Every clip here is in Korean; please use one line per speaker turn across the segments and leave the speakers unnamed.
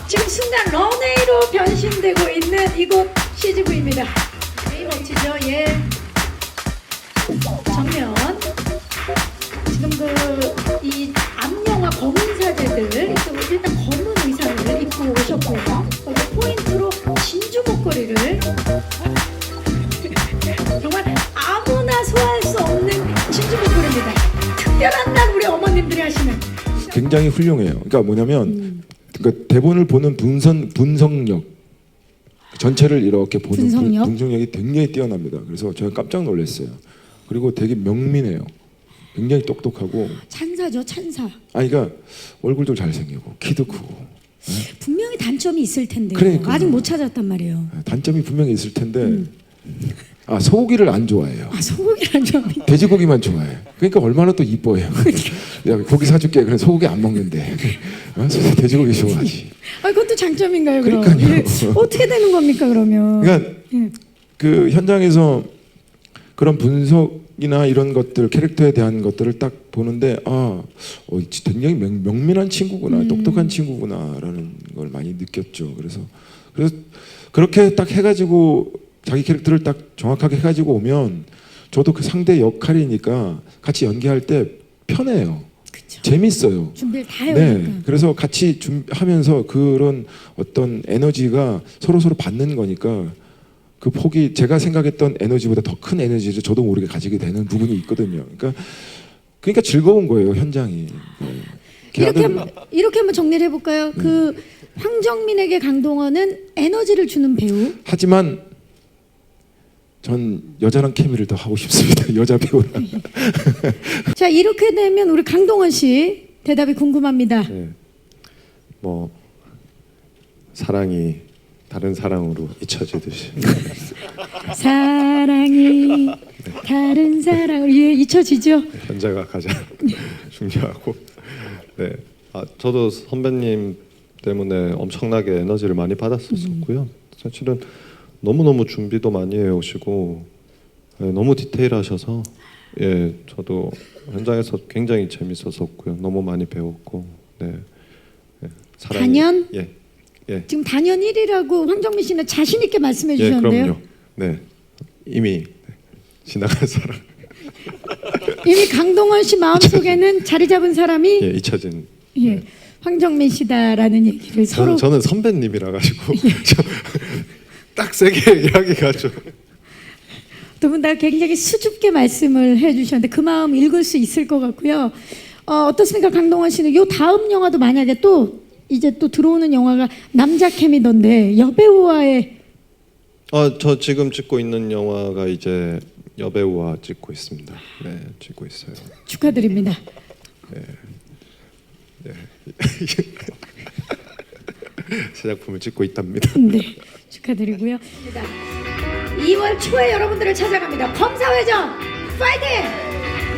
지금 순간 런웨이로 변신되고 있는 이곳 CGV입니다. 멋지죠? 예. 정면. 지금 이 앞영화 검은 사제들 일단 검은 의상을 입고 오셨고요. 거기 포인트로 진주 목걸이를 정말 아무나 소화할 수 없는 진주 목걸이입니다. 특별한 날 우리 어머님들이 하시는.
굉장히 훌륭해요. 그러니까 뭐냐면 그러니까 대본을 보는 분석력 전체를 이렇게 보는 분석력이 굉장히 뛰어납니다. 그래서 제가 깜짝 놀랐어요. 그리고 되게 명민해요. 굉장히 똑똑하고
찬사죠, 찬사.
아니 그러니까 얼굴도 잘생기고 키도 크고
분명히 단점이 있을 텐데
그러니까요.
아직 못 찾았단 말이에요.
단점이 분명히 있을 텐데 아 소고기를 안 좋아해요.
아 소고기를 안 좋아해요.
돼지고기만 좋아해. 그러니까 얼마나 또 이뻐해요. 야 고기 사줄게. 그래 소고기 안 먹는데 돼지고기 좋아하지.
아 그것도 장점인가요? 그럼?
그러니까요.
예. 어떻게 되는 겁니까 그러면?
그러니까
예.
그 현장에서 그런 분석이나 이런 것들 캐릭터에 대한 것들을 딱 보는데 굉장히 명민한 친구구나, 똑똑한 친구구나라는 걸 많이 느꼈죠. 그래서 그렇게 딱 해가지고 자기 캐릭터를 딱 정확하게 해가지고 오면 저도 그 상대 역할이니까 같이 연기할 때 편해요.
그쵸.
재밌어요.
준비를 다 해오니까.
네, 그래서 같이 하면서 그런 어떤 에너지가 서로 받는 거니까 그 폭이 제가 생각했던 에너지보다 더 큰 에너지를 저도 모르게 가지게 되는 부분이 있거든요. 그러니까 즐거운 거예요 현장이. 네.
이렇게 한번 정리를 해볼까요? 그 황정민에게 강동원은 에너지를 주는 배우.
하지만 전 여자랑 케미를 더 하고 싶습니다. 여자 배우랑.
자 이렇게 되면 우리 강동원 씨 대답이 궁금합니다.
네. 뭐 사랑이 다른 사랑으로 잊혀지듯이
사랑이 다른 사랑으로 잊혀지죠.
현재가 가장 중요하고 네. 저도 선배님 때문에 엄청나게 에너지를 많이 받았었고요. 사실은 너무너무 준비도 많이 해오시고 너무 디테일하셔서 저도 현장에서 굉장히 재밌었었고요. 너무 많이 배웠고 사랑이,
단연?
예.
지금 단연 1위라고 황정민 씨는 자신 있게 말씀해 주셨는데요.
그럼요. 네, 이미 지나간 사람.
이미 강동원 씨 마음속에는 자리 잡은 사람이
잊혀진.
황정민 씨다라는 얘기를 서로.
저는 선배님이라 가지고 딱 세게 얘기하기가 좀.
두 분 다 굉장히 수줍게 말씀을 해주셨는데 그 마음 읽을 수 있을 것 같고요. 어떻습니까, 강동원 씨는 요 다음 영화도 만약에 또 이제 또 들어오는 영화가 남자 케미던데 여배우와의.
저 지금 찍고 있는 영화가 이제 여배우와 찍고 있습니다. 네, 찍고 있어요.
축하드립니다.
네. 새 작품을 찍고 있답니다.
네, 축하드리고요. 2월 초에 여러분들을 찾아갑니다. 검사회전 파이팅!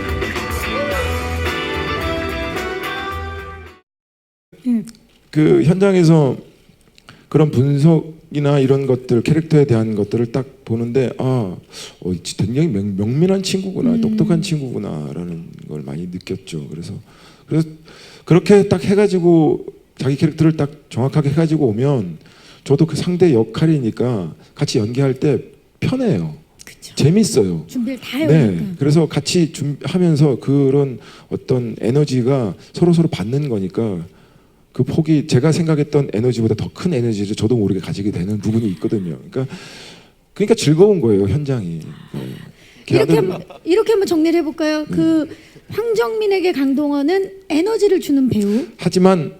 그 현장에서 그런 분석이나 이런 것들 캐릭터에 대한 것들을 딱 보는데 굉장히 명민한 친구구나, 똑똑한 친구구나라는 걸 많이 느꼈죠. 그래서 그렇게 딱 해가지고 자기 캐릭터를 딱 정확하게 해가지고 오면 저도 그 상대 역할이니까 같이 연기할 때 편해요.
그쵸.
재밌어요.
준비를 다 해오니까.
네, 그래서 같이 하면서 그런 어떤 에너지가 서로 받는 거니까 그 폭이 제가 생각했던 에너지보다 더 큰 에너지를 저도 모르게 가지게 되는 부분이 있거든요. 그러니까 즐거운 거예요 현장이. 네.
이렇게 한번 정리를 해볼까요? 그 황정민에게 강동원은 에너지를 주는 배우.
하지만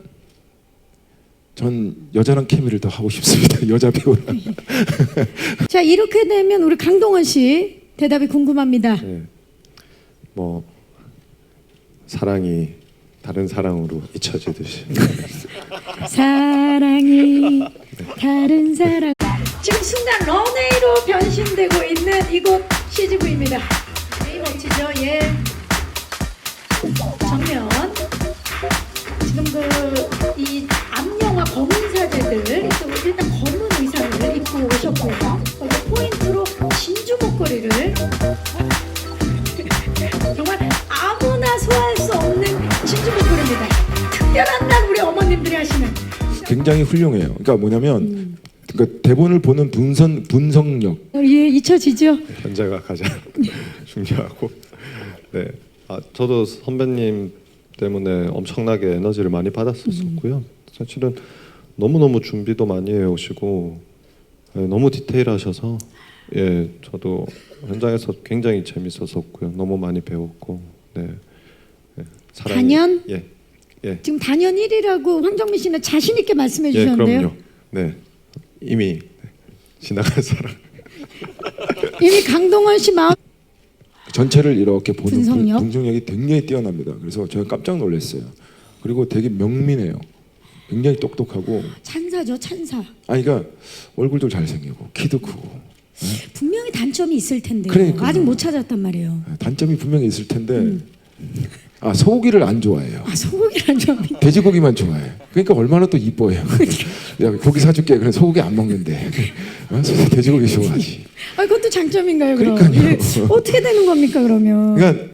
전 여자랑 케미를 더 하고 싶습니다. 여자 배우랑.
자 이렇게 되면 우리 강동원 씨 대답이 궁금합니다.
네. 뭐 사랑이 다른 사랑으로 잊혀지듯이
사랑이 다른 사랑. 지금 순간 런웨이로 변신되고 있는 이곳 CGV입니다. 멋지죠? 예. 정면. 지금 이 앞영화 검은 사제들 일단 검은 의상을 입고 오셨고요. 거기 포인트로 진주 목걸이를 정말 아무나 소화할 수 없는 진주 목걸이입니다. 특별한 날 우리 어머님들이 하시는.
굉장히 훌륭해요. 그러니까 뭐냐면 그러니까 대본을 보는 분석력.
예, 잊혀지죠?
현재가 가장 중요하고. 네. 저도 선배님 때문에 엄청나게 에너지를 많이 받았었고요. 사실은 너무너무 준비도 많이 해오시고 너무 디테일하셔서 예, 저도 현장에서 굉장히 재밌었었고요. 너무 많이 배웠고. 네. 예,
단연?
예. 예.
지금 단연 1위라고 황정민 씨는 자신 있게 말씀해
예,
주셨는데요.
그럼요. 네. 이미 지나간 사람.
이미 강동원 씨 마음
전체를 이렇게 보는
분석력?
분석력이 굉장히 뛰어납니다. 그래서 제가 깜짝 놀랐어요. 그리고 되게 명민해요. 굉장히 똑똑하고.
찬사죠, 찬사.
그러니까 얼굴도 잘생기고 키도 크고.
분명히 단점이 있을 텐데요.
그러니까요.
아직 못 찾았단 말이에요.
단점이 분명히 있을 텐데 소고기를 안 좋아해요.
소고기란 점이.
돼지고기만 좋아해. 그러니까 얼마나 또 이뻐해요. 야, 고기 사줄게. 그래 소고기 안 먹는데 돼지고기 좋아하지.
그것도 장점인가요? 그럼?
그러니까요.
어떻게 되는 겁니까 그러면?
그러니까